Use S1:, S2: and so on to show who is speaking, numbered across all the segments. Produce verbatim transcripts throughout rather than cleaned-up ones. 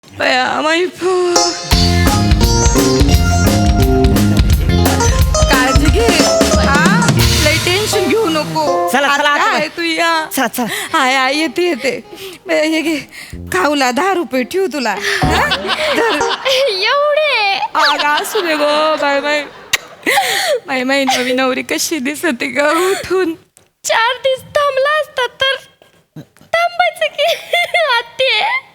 S1: बया माई काळजी घे हा, लय टेन्शन घेऊ नको.
S2: चला, चला,
S1: आता
S2: आता.
S1: आहे तू या.
S2: चला, चला.
S1: हाय हाय येते येते. बया, हे घे खाऊला दहा रुपये ठेवू तुला हा? धर.
S3: एवढे
S1: आग असू दे गो बाय बाय. माय माई नवी नवरी कशी दिसते ग उठून.
S3: चार दिवस थांबला असता तर थांबायचं की आते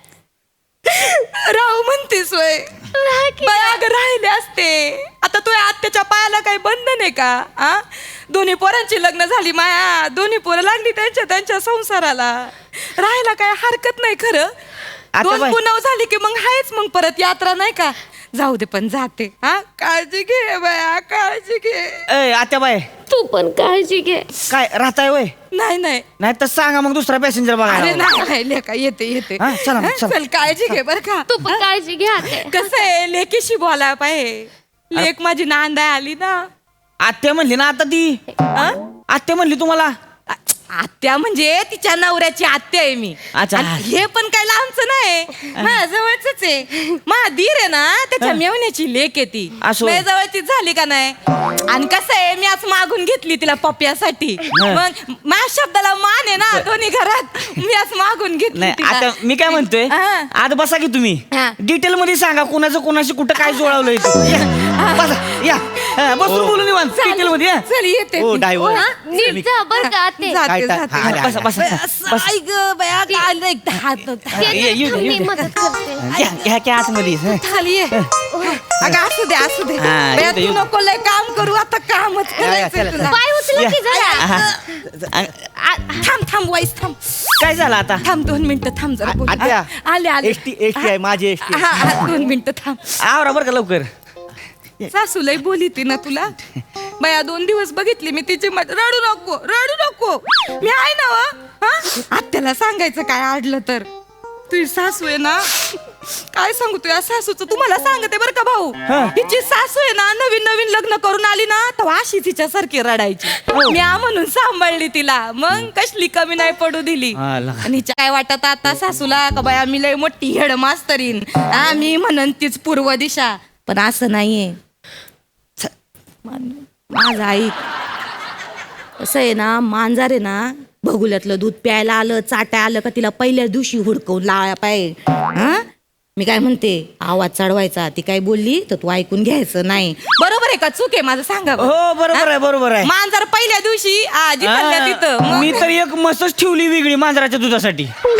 S1: राहू म्हणतेस वय
S3: राहा की
S1: बाय अगं राहिले असते. आता तुझ्या आत्याच्या पायाला काही बंधन आहे का आ दोन्ही पोरांची लग्न झाली माया, दोन्ही पोरं लागली त्यांच्या त्यांच्या संसाराला. राहायला काय हरकत नाही खरं. दोन
S2: बाई.
S1: पुनव झाली की मग हायच मग परत यात्रा नाही का. जाऊ दे पण जाते हा. काळजी घे बाया काळजी घे.
S2: ए आत्याबाई
S3: तू पण काळजी घे.
S2: काय राहताय वय
S1: नाही नाही
S2: नाही तर सांगा मग दुसरा पॅसेंजर
S1: अरे
S2: बघायला.
S1: नाही नाही लेका येते येते.
S2: हा, चला मग,
S1: हा,
S2: चला.
S1: चल काळजी घे बर का.
S3: तू पण काळजी घे आते.
S1: कसं आहे लेकीशी बोलायला पाहिजे. लेक माझी नांदा आली ना.
S2: आत्या म्हणली ना आता ती
S1: हा?
S2: आत्या म्हणली तुम्हाला.
S1: आ- आत्या म्हणजे तिच्या नवऱ्याची आत्या आहे मी.
S2: अच्छा.
S1: आणि हे पण काय लांबचं नाही माझ्या जवळच आहे. माझा दीर आहे ना त्याच्या मेवण्याची लेक आहे ती.
S2: असो.
S1: माझ्या जवळची झाली का नाही. आणि कसं आहे मी आज मागून घेतली तिला पप्प्यासाठी.
S2: हा.
S1: मग माझ्या शब्दाला मान आहे ना दोन्ही घरात. मी आज मागून घेतली
S2: नाही
S1: तिला.
S2: आता मी काय म्हणतोय
S1: हा.
S2: आता बसा की तुम्ही
S1: हा.
S2: डिटेल मध्ये सांगा कोणाचं कोणाशी कुठं काय जुळवलंय ते. या, बसा या हा, बसून बोलून निवांत डिटेल मध्ये या.
S1: चल येते
S2: ओ
S1: मी.
S2: डायव्हर
S1: हा?
S3: नीट जा बर का आते.
S1: जाते,
S2: काय टा-
S1: जाते.
S2: हा, अरे, बसा, बसा,
S1: बया,
S2: बसा.
S1: असं, आई ग बया काय एकदा हात
S2: ये, ये, ये,
S3: मी
S2: ये.
S3: मदत करते.
S2: घ्या घ्या घ्या आतमध्ये हं.
S1: खाली ये. अगं असू दे असू दे.
S2: हा,
S1: बया,
S2: येऊ दे,
S1: तू
S2: येऊ दे.
S1: नको लय काम करू आता कामच
S2: या, या,
S1: करायचं
S2: चला,
S1: तुला.
S3: पाय उचला की जरा.
S2: हा.
S1: आ- थांब थांब वाईस थांब
S2: काय झालं आता
S1: थांब दोन मिनिटं थांब जरा बोल.
S4: आत्या.
S1: आ- आले आले
S4: एसटी एसटी आहे माझी एसटी
S1: हा हा, दोन मिनिटं थांब.
S2: आवरा बरं का लवकर.
S1: सासू लय बोली ती ना तुला. बया दोन दिवस बघितली मी तिची मत. रडू नको रडू नको मी आहे ना व. हा? आत्याला सांगायचं काय अडलं तर. तुझी सासू आहे ना काय सांगू तुझ्या सासूचं तुम्हाला सांगते बरं का भाऊ. तिची सासू आहे ना नवीन नवीन लग्न करून आली ना तेव्हा अशी तिच्यासारखी रडायची. मी आ म्हणून सांभाळली तिला मग कसली कमी नाही पडू दिली.
S2: हा, लगा.
S1: आणि हिच्या काय वाटत आता सासूला का बाया मी लय मोठी हेड मास्तरीन हा मी म्हणन तीच पूर्व दिशा. पण असं नाहीये. छ, मान- माझं आई असं आहे ना मांजर आहे ना भगुल्यातलं दूध प्यायला आलं चाटाय आलं का तिला पहिल्या दिवशी हुडकवून लावायला पाहिजे. हा मी काय म्हणते आवाज चढवायचा. ती काय बोलली तर तू ऐकून घ्यायचं नाही. बरोबर आहे का चूक आहे माझं सांगा बरं.
S2: हो बरोबर आहे बरोबर आहे.
S1: मांजर पहिल्या दिवशी आ, जिथल्या तिथं
S2: हा,
S1: मग-
S2: मी तर एक मसच ठेवली वेगळी मांजराच्या दुधासाठी.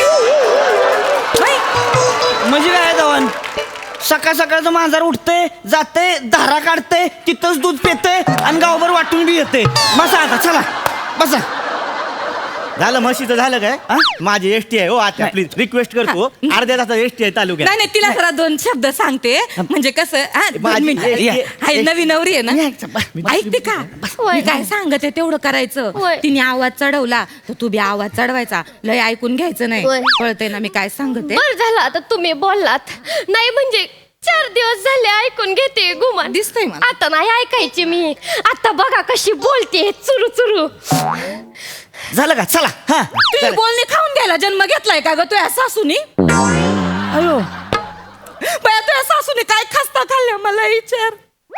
S1: नाही.
S2: म्हणजे काय जवान सकाळ सकाळचं मांजर उठते जाते धारा काढते तिथंच दूध पिते आणि गावभर वाटून बी येते. बसा आता चला बसा.
S4: झालं म्हशीचं झालं काय
S2: हा?
S4: माझी एसटी आहे हो आता प्लीज रिक्वेस्ट करतो अर्ध्या तासात एसटी आहे तालुक्यात.
S1: नाही नाही तिला जरा दोन शब्द सांगते म्हणजे कसं हा, दोन
S4: माझी-
S1: मिनिटं.
S4: ए- ए-
S1: हाय, नवी नवरी आहे ना
S2: मी-
S1: ऐकते का
S3: होय.
S1: मी काय सांगते तेवढं करायचं.
S3: होय.
S1: तिने आवाज चढवला तर तू बी आवाज चढवायचा. लय ऐकून घ्यायचं नाही.
S3: होय.
S1: कळतंय ना मी काय सांगते.
S3: बर झालं आता तुम्ही बोललात. नाही म्हणजे चार दिवस झाले ऐकून घेते गुमान.
S1: दिसतंय मला.
S3: आता नाही ऐकायची मी. आता बघा कशी बोलते चुरू चुरू.
S2: झालं का चला हा
S1: तुझी बोलणी खाऊन घ्यायला जन्म घेतलाय का ग तुझ्या सासूनी.
S2: अयो
S1: बया तुझ्या सासूने काय खस्ता खाल्ल्या मला विचार.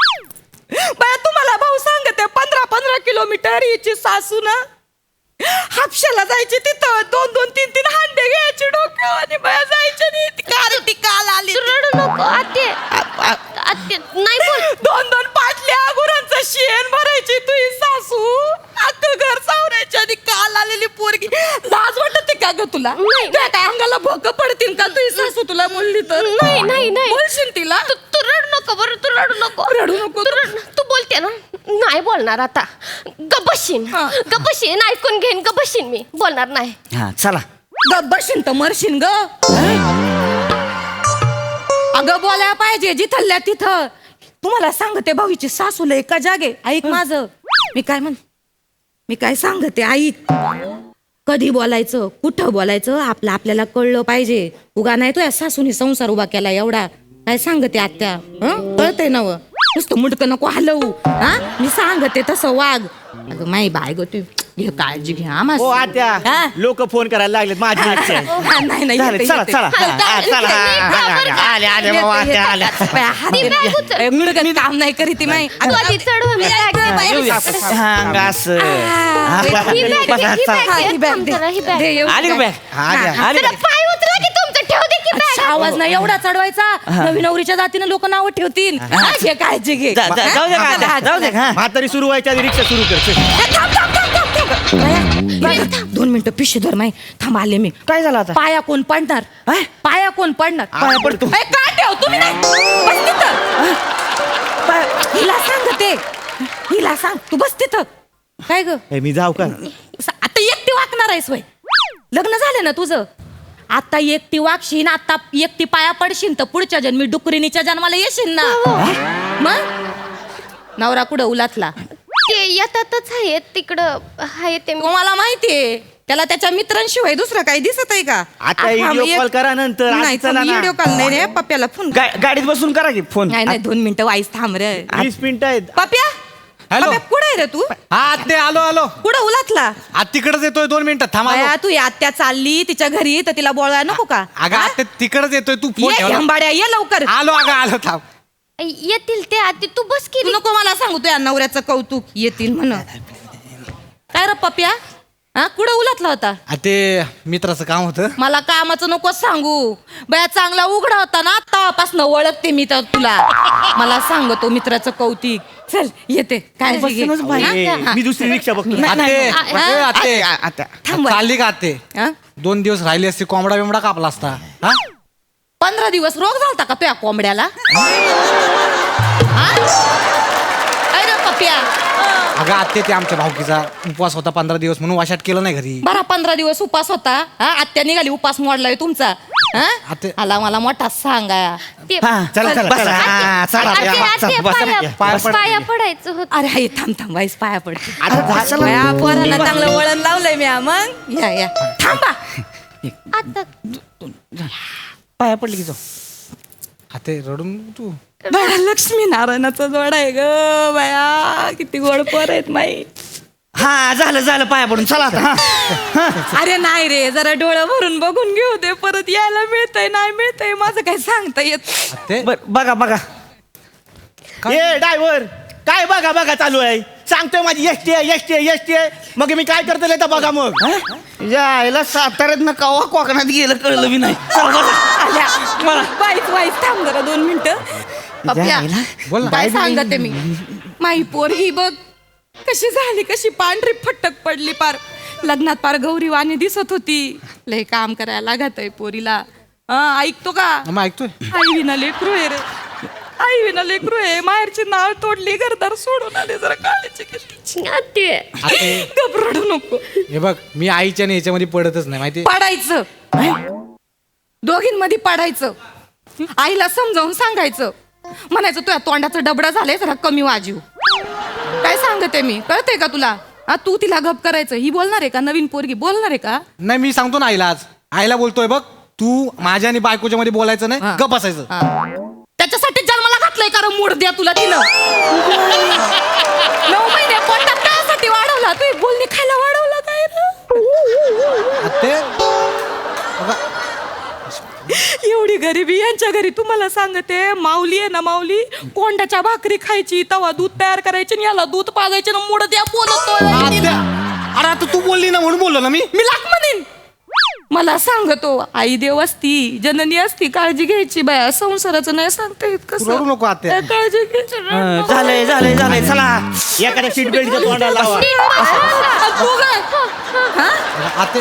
S1: बया तुम्हाला भाऊ सांगते पंधरा पंधरा किलोमीटर हिची सासू ना हापशाला जायची तिथं दोन दोन तीन तीन हांडे घ्यायचे डोक्यावर आणि बया जायचे नाही. ती कार ती काल आली
S3: तू रडू नको आते. आते नाही बोल.
S1: दोन दोन पाटल्या गुरांचं शेण भरायची तुझी सासू. अख्खं घर सावरायची आणि काल आलेली पोरगी. लाज वाटते का ग तुला.
S3: नाही.
S1: त्या काय अंगाला भोक पडतील का तुझी सासू तुला बोलली तर.
S3: नाही नाही नाही
S1: बोलशील तिला.
S3: तू तू रडू नको बरं तू रडू नको
S1: रडू नको.
S3: तू रड तू बोलते ना नाही बोलणार आता. गबशीन
S1: हा.
S3: गबशीन ऐकून घेईन गबशीन मी बोलणार नाही.
S2: हा चला
S1: गब्बरशीन तर मरशीन ग. अगं बोलायला पाहिजे जिथल्या तिथं. तुम्हाला सांगते भाऊची सासूला एका जागे ऐक माझं. मी काय म्हण मी काय सांगते ऐक. कधी बोलायचं कुठं बोलायचं आपलं आपल्याला कळलं पाहिजे. उगा नाही तो या सासूने संसार उभा केला एवढा. काय सांगते आत्या हं कळतंय ना व. नुसतं मुडकं नको हलवू. हा मी सांगते तसं वाग. अगं माई बाय ग तू घे काळजी घ्या
S4: ओ
S1: मस्त.
S4: आत्या
S1: हा?
S4: लोक फोन करायला लागलेत माझी इच्छा आहे.
S1: हा, नाही नाही
S2: झालं,
S1: येते,
S2: चला
S1: येते.
S2: चला
S1: हा,
S2: हा, हा, चला हा, हा, हा, हा, आले आले बाबा आत्या आल्या
S1: बाया, हात
S3: ती बॅग
S1: घ्या.
S3: उचल.
S1: ए, मुडकं काम नाही करीत ती माई.
S3: तू आधी चढ हो, मी बॅग
S1: हा,
S3: घेते.
S1: येऊया.
S2: हा अंग असं
S1: हा,
S2: हा,
S3: ही बॅग घे,
S2: बसा,
S3: ही
S2: चला.
S3: बॅग
S1: हा,
S3: घे.
S1: ही बॅग
S3: थांब
S1: दे.
S3: जरा, ही बॅग.
S1: दे, येऊ
S2: आली का
S1: बॅग.
S2: बॅग हा, आली,
S1: हा,
S2: आली
S3: जरा
S2: का?
S3: पाय उचला की तुमचं ठेव दे की
S1: अच्छा,
S3: बॅग.
S1: आवाज नाही एवढा चढवायचा नवीन नवरीच्या जातीनं लोक नाव ठेवतील हा, घे काळजी घे
S2: जा- जा- जाऊ दे का आत्या,
S1: हा,
S2: जाऊ दे का?
S4: म्हातारी सुरू व्हायच्या आधी रिक्षा सुरू कर चल.
S1: हा, थांब, थांब, थांब, थांब, थांब. बाया, बाया, दोन मिनिटं पिशवी धर माई थांब आले मी
S2: काय झालं आता
S1: पाया कोण पडणार
S2: हा?
S1: पाया कोण पडणार
S2: पाया पडतो.
S1: ए, का ठेव तुम्ही नाही बस तिथं. पाय- हिला सांग ते हिला सांग तू बस तिथं काय ग
S4: ए, मी जाऊ का
S1: स- आता एकटी वागणार आहेस वय लग्न झालं ना तुझं आता एकटी वागशील आता एकटी पाया पडशील तर पुढच्या जन्मी डुकरिणीच्या जन्माला येशील ना मग नवरा कुठं उलातला
S3: ते येतातच आहेत तिकडं आहे ते
S1: तुम्हाला माहितीये त्याला त्याच्या मित्रांशिवाय दुसरं काही दिसत आहे का
S4: आता
S1: आ,
S4: व्हिडिओ
S1: थांब, एक-
S4: कॉल करा नंतर आज
S1: नाही
S4: चला ना.
S1: व्हिडिओ कॉल नाही रे पप्प्याला फोन
S2: गा- गाडीत बसून करा की फोन
S1: नाही नाही दोन मिनिटं वाईस थांब रे
S4: वीस मिनिटं आहेत
S1: पप्प्या
S5: हॅलो.
S1: पप्प्या, कुठं आहे रे तू
S5: हा ते आलो आलो
S1: कुठं उलातला
S5: आज तिकडच येतोय दोन मिनिटात थांबा
S1: बाया, तू या आत्या चालली तिच्या घरी तर तिला बोलायला नको का
S5: अगं
S1: हा?
S5: आता तिकडच येतोय तू फोन
S1: ये
S5: ठेवला.
S1: हंबाड्या ये लवकर
S5: आलो अगं आलो थांब
S3: येतील ते आधी तू बस की
S1: तू नको मला सांगू तुझ्या नवऱ्याचं कौतुक येतील म्हण काय रे पप्प्या हा कुठं उलातला होता
S5: आ, ते मित्राचं काम होतं
S1: मला कामाचं नको सांगू बया चांगला उघडा होता ना तेव्हापासून ओळखते मी तर तुला मला सांगतो मित्राचं कौतिक चल येते काळजी घे
S2: बसूनच बाई.
S1: हा?
S4: ए,
S1: हा.
S4: मी दुसरी रिक्षा बघतो
S1: नाही,
S5: आते,
S1: नाही,
S3: नाही.
S5: ए, आते.
S2: आ- आत्या
S1: थांब
S5: चालली का आते
S1: हा?
S5: दोन दिवस राहिली असती कोंबडा बिमडा कापला असता हा
S1: पंधरा दिवस रोग झालता का तुया कोंबड्याला हा? काय रे पप्प्या
S5: अगं आते ते आमच्या भाऊकीचा उपवास होता पंधरा दिवस म्हणून वाशाट केलं नाही घरी
S1: बरा पंधरा दिवस उपास होता हा आत्या निघाली उपास मोडलाय तुमचा हा
S5: आते-
S1: आला मला मोठा सांगा
S3: ते
S2: हा चला चला
S1: बसा.
S2: बसा हा, चला
S3: आते-
S2: या,
S3: आते
S2: चला, बसा.
S3: पाया-
S5: पाया
S3: पाया पडायचं होत
S1: अरे हाय थांब थांब वाईस पाया पडते
S2: आता चला.
S1: बया, पोरांना चांगलं वळण लावलंय मी हा, मग या या थांबा
S3: आता
S2: पाया पडली की जाऊ
S5: आते रडून तू
S1: बया लक्ष्मी नारायणाचा जोड आहे ग बया किती गोड पोर आहेत माई
S2: हा झालं झालं पाया पडून चला आता हा. हा.
S1: अरे नाही रे जरा डोळं भरून बघून घेऊ दे परत यायला मिळतंय नाही मिळतंय माझं काही सांगता येत
S5: ते
S2: बर बघा बघा
S4: ए ड्रायव्हर काय बघा बघा चालू आहे सांगतोय माझी एस टी आहे एस टी आहे एस टी आहे मग मी काय करतो तर बघा मग
S2: हा? यायला साताऱ्यात ना कवा कोकणात गेलं कळलं बी नाही चला बसा
S1: आल्या मला वाईट वाईट थांब जरा दोन मिनिटं पप्प्या
S2: जायला.
S5: बोल ना.
S1: काय सांगते मी माई पोर ही बघ कशी झाली कशी पांढरी फटक पडली पार लग्नात पार गौरी वाणी दिसत होती लय काम करायला लागत आहे पोरीला हा ऐकतो का
S5: मग ऐकतोय
S1: आई विना लेकरू आहे रे आई विना लेकरू आहे माहेरची नाळ तोडली घरदार सोडून आले जरा काळजी घेतली
S3: आते
S5: आते
S1: घबरडू नको
S5: हे बघ मी आईच्या आणि याच्यामध्ये पडतच नाही माहिती
S1: पाडायचं दोघींमध्ये पाडायचं आईला समजावून सांगायचं म्हणायचं तुझ्या तोंडाचं डबडं झालंय जरा कमी वाजीव काय सांगते मी कळतंय का तुला हा तू तिला गप करायचं ही बोलणार आहे का नवीन पोरगी बोलणार आहे का
S5: नाही मी सांगतो ना आईला आज आईला बोलतोय बघ तू माझ्या आणि बायकोच्या मध्ये बोलायचं नाही
S1: हा.
S5: गप असायचं
S1: हा. त्याच्यासाठी जन्माला घातलंय कारण मूड द्या तुला तिनं नऊ महिने पोटात त्यासाठी वाढवला तू बोलणी खायला वाढवला काय रे?
S5: आते
S1: एवढी गरिबी यांच्या घरी तुम्हाला सांगते माऊली आहे ना माऊली कोंड्याच्या भाकरी खायची तवा दूध तयार करायची आणि याला दूध पाजायचे ना मुड द्या बोलतोय
S5: आत्या, अरे आता तू बोलली ना म्हणून बोललो ना मी
S1: मी लाख म्हणेन मला सांगतो आई देव असती जननी असती काळजी घ्यायची बाया संसाराचं नाही सांगता येत
S5: तू
S1: कसं
S5: रडू नको आत्या.
S1: काय काळजी घ्यायची
S2: हा, झालंय झालंय झालंय चला
S4: एखाद्या सीट बेल्टच्या तोंडाला लावा
S1: तू काय हा?
S5: आते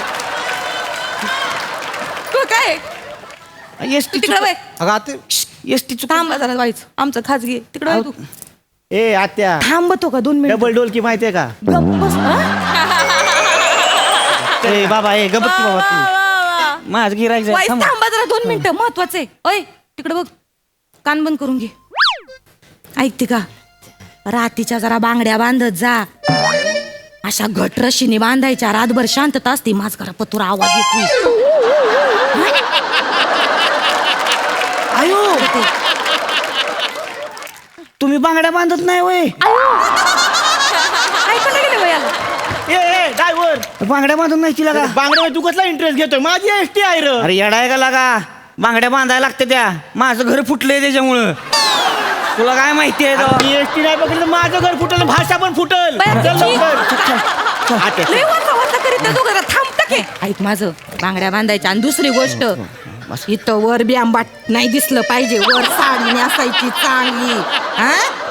S1: तू काय
S2: एस टी
S1: तिकडे बाय
S5: अगं आते
S2: एस टी चुक
S1: थांब जरा व्हायचं आमचं खाजगी तिकडे वळ तू
S4: ए आत्या
S1: थांबतो का दोन मिनिट
S4: डबल डोलकी माहितीये का
S1: गप्प बस हा?
S2: ए बाबा ए गबत बाबा
S1: वा,
S2: तू
S1: वा, वा.
S2: माझ गिरायचं
S1: वाईस थांबा जरा दोन मिनिटं महत्वाचे ओय तिकडे बघ कान बंद करून घे ऐकते का रातीच्या जरा बांगड्या बांधत जा अशा घट रशीने बांधायच्या रातभर शांतता असते माझ घरा पतुरा आवाज येतोय
S2: आयो तुम्ही बांगड्या बांधत नाही वय
S1: ऐकायला गेले वयाला
S4: ए ए ड्रायव्हर ड्रायव्हर
S2: बांगड्या बांधून नाही तिला का
S4: बांगड्यावर तू कसला इंटरेस्ट घेतोय माझी एसटी आहे र
S2: अरे येडाय का लागा बांगड्या बांधायला लागते त्या माझं घर फुटलंय त्याच्यामुळं तुला काय माहिती आहे तो?
S4: मी एसटी नाही बघितलं माझं घर फुटल भाषा पण फुटल
S1: बाया,
S4: चल
S1: तुझी-
S4: लवकर. आते.
S1: लय वाचा वाचा करीत आहे दोघं थांबता की ऐक माझं बांगड्या बांधायच्या आणि दुसरी गोष्ट इथं वर बी आंबाट नाही दिसलं पाहिजे वर साडी नेसायची चांगली हा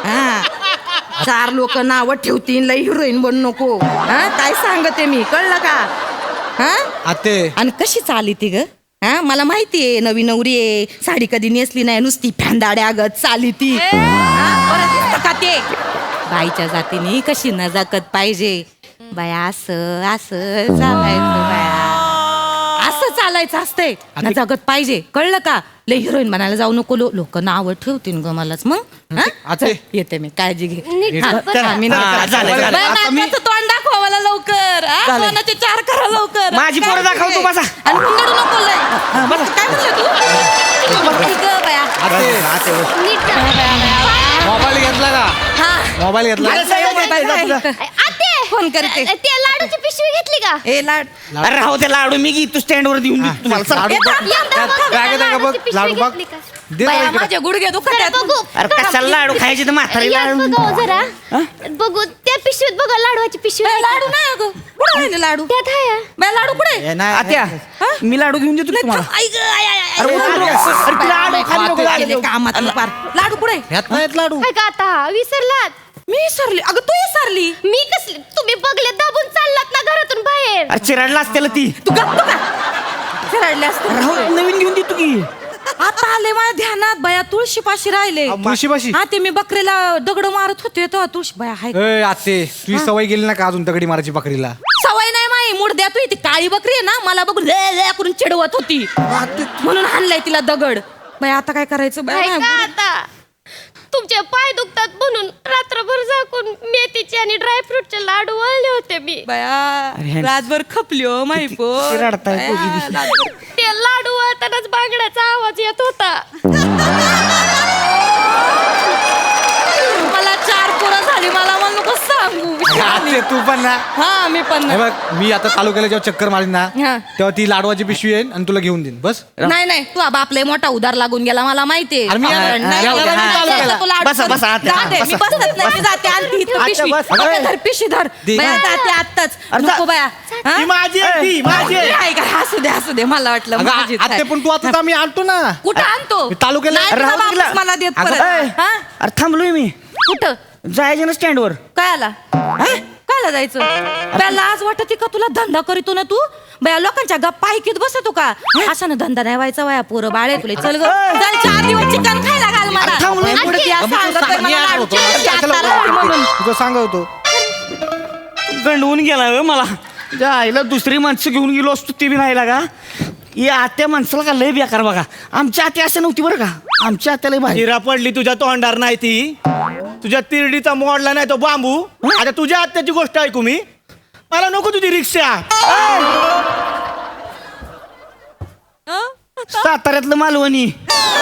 S1: हा चार लोक नावं ठेवतील लय हिरोईन बन नको हा काय सांगते मी कळलं का हा
S5: आते
S1: आणि कशी चाली ती ग हा मला माहिती आहे नवी नवरी आहे साडी कधी नेसली नाही नुसती फॅंदाड्या गत चाली ती हा, बरं दिसतं का ते बाईच्या जातीने कशी नजाकत पाहिजे बाया असं असं चालायचं बाया असं चालायचं असतंय नजाकत पाहिजे कळलं का लय हिरोईन बनायला जाऊ नको लोक नावं ठेवतील ग मलाच मग हा?
S5: आते.
S1: चल, येते मी काळजी घे
S3: नीट
S1: हा,
S3: बरं.
S1: हा, मी
S2: हा,
S1: नीट
S2: झालं,
S1: करते.
S2: झालं.
S1: बाया,
S2: आता मी-
S1: नाकाचं तोंड दाखवा मला लवकर हा?
S2: झालं.
S1: कोणाचे चार करा लवकर
S2: माझी पोरं
S1: काळजी
S2: दाखव तू,
S1: घे.
S2: बसा.
S1: आणि हुंदडू नको लय काय म्हणलं तू ठीक आहे, बाया
S5: आते
S3: नीट जा.
S5: मोबाईल घेतला का
S1: हा
S5: मोबाईल घेतला
S4: अरे,
S1: काय
S4: साहेब,
S1: मोबाईल
S4: जा, जा, जा.
S1: आहे?
S3: आते
S1: फोन करते.
S3: ते लाडूची पिशवी घेतली का
S1: ए लाड
S2: अरे राहू ते लाडू मी घेतो स्टँडवर देऊन देतो तुम्हाला चला.
S5: लाडू बघ.
S1: थांब,
S3: यंदा
S5: त्यात
S3: बघ,
S5: बॅगेत आहे का बघ
S3: लाडूची पिशवी
S5: लाडू बघ
S3: घेतली का?
S5: दे
S1: बाया
S5: जरा इकडे.
S1: माझे गुडघे दुखत
S3: जरा
S1: आहेत.
S3: बघू
S2: अरे कशाला लाडू खायचे तर म्हातारी
S3: यात
S2: लाडू
S3: बघा हो जरा बघू त्या पिशवीत बघा लाडवाची पिशवी
S1: ए,
S3: आहे का?
S1: लाडू नाही अगं कुठं आहे लाडू
S3: त्यात आहे
S1: बाया लाडू कुठे
S5: ए, नाही,
S2: आत्या
S1: हा?
S2: मी लाडू घेऊन देतो
S1: नाही,
S2: तुम्हाला
S1: थांब, आई गं, आई, आई, आई,
S2: अरे,
S1: आई,
S2: उतरू
S1: आई,
S2: नको.
S1: आई,
S2: अरे,
S1: बाया,
S2: लाडू
S1: बाया,
S2: खाली नको,
S1: बाया,
S2: लाडू.
S1: गेले कामात पार. लाडू कुठे
S5: ह्यात नाहीत लाडू
S3: काय का आता विसरलात
S1: मी विसरली अगं तू विसरली
S3: मी कसली तुम्ही बघले दाबून चाललात ना घरातून बाहेर
S2: अरे चिराडला असतेला ती
S1: तू गप्प का फिरायले असते
S2: राहू नवीन घेऊन देतो की
S1: आता आले माझ्या ध्यानात बाया तुळशी पाशी राहिले
S5: तुळशीपाशी?
S1: हा ते मी बकरीला दगड मारत होते तेव्हा तुळशी बाया हाय
S5: ए आते तुझी सवय गेली ना का अजून दगडी मारायची बकरीला
S1: सवय नाही माई मुडद्या तू ती काळी बकरी आहे ना मला बघून ले ले करून चिडवत होती म्हणून हाणलाय तिला दगड बाया आता काय करायचं बाया
S3: काय का
S1: माझ्या
S3: आता तुमचे पाय दुखतात म्हणून रात्रभर झाकून मेथीचे आणि ड्रायफ्रूटचे लाडू वळले होते मी
S1: बाया
S2: अरे,
S1: रातभर खपली हो माही पो
S2: किती रडताय पोगी दिसली.
S3: ते लाडू वळतानाच बांगड्याचा आवाज येत होता
S1: मला चार पोरं झाली मला मला नको सांगू
S5: आते तू पण ना
S1: हा मी पण
S5: हे बघ मी आता तालुक्याला जेव्हा चक्कर मारीन ना
S1: हा.
S5: तेव्हा ती लाडवाची पिशवी येईल आणि तुला घेऊन देईन बस
S1: नाही नाही तू आबा आपले मोठा उधार लागून गेला मला माहितीये
S5: अरे मी-
S1: हा, नाही,
S5: जाऊ दे,
S1: नाही,
S5: हा,
S1: नाही,
S5: चालेल.
S1: नाही, तुला
S2: बसा,
S1: अडचण-
S2: बसा, आत्या,
S1: जाते, मी
S2: बसा.
S1: बसत नाही मी जाते आणते इथं
S4: आत्या,
S1: पिशवी
S4: बस.
S1: ओके, धर पिशवी धर
S5: दे.
S1: बाया जाते आत्ताच
S2: अरे,
S1: नको
S2: जा.
S1: बाया हा?
S4: ती माझी आहे ती माझी आहे.
S1: नाही का हसू दे हसू दे मला वाटलं
S5: अगं
S1: माझीच
S5: आते
S1: आहे.
S5: पण तू आता आम्ही आणतो ना
S1: कुठं आणतो
S5: मी तालुक्याला-
S1: नाही, तुझा
S2: राहू दे
S1: बापच
S2: तिला.
S1: मला देत
S2: अगं,
S1: परत
S2: ए,
S1: हा?
S2: अरे थांबलोय मी
S1: कुठं
S2: जायचं ना स्टँडवर
S1: काय आला कायला जायचं बाया लाज वाटते का तुला धंदा करीतो ना तू बाया लोकांच्या गप्पा ऐकत बसतो का असा ना धंदा नाही व्हायचा वया पोरं बाळे तुला चल ग चल चार दिवस चिकन खायला घाल मला
S2: अरे थांब, लय
S1: आणि
S2: पुढे
S1: ती असं सांगतोय मला लाडूची पिशवी आता राहिली म्हणून.
S5: तुझं सांगतो
S2: गंडवून गेला हो मला त्या आईला दुसरी माणसं घेऊन गेलो असतो ती बी नाही लागा या आत्या माणसाला का लय बेकार बघा आमच्या आत्या असं नव्हती बरं का आमच्या आत्या लय भारी
S4: हिरा पडली तुझ्या तोंडार नाही ती तुझ्या तिरडीचा मोडला नाही तो बांबू आता तुझ्या आत्याची गोष्ट ऐकू मी मला नको तुझी रिक्षा
S1: हं?
S2: साताऱ्यातलं मालवणी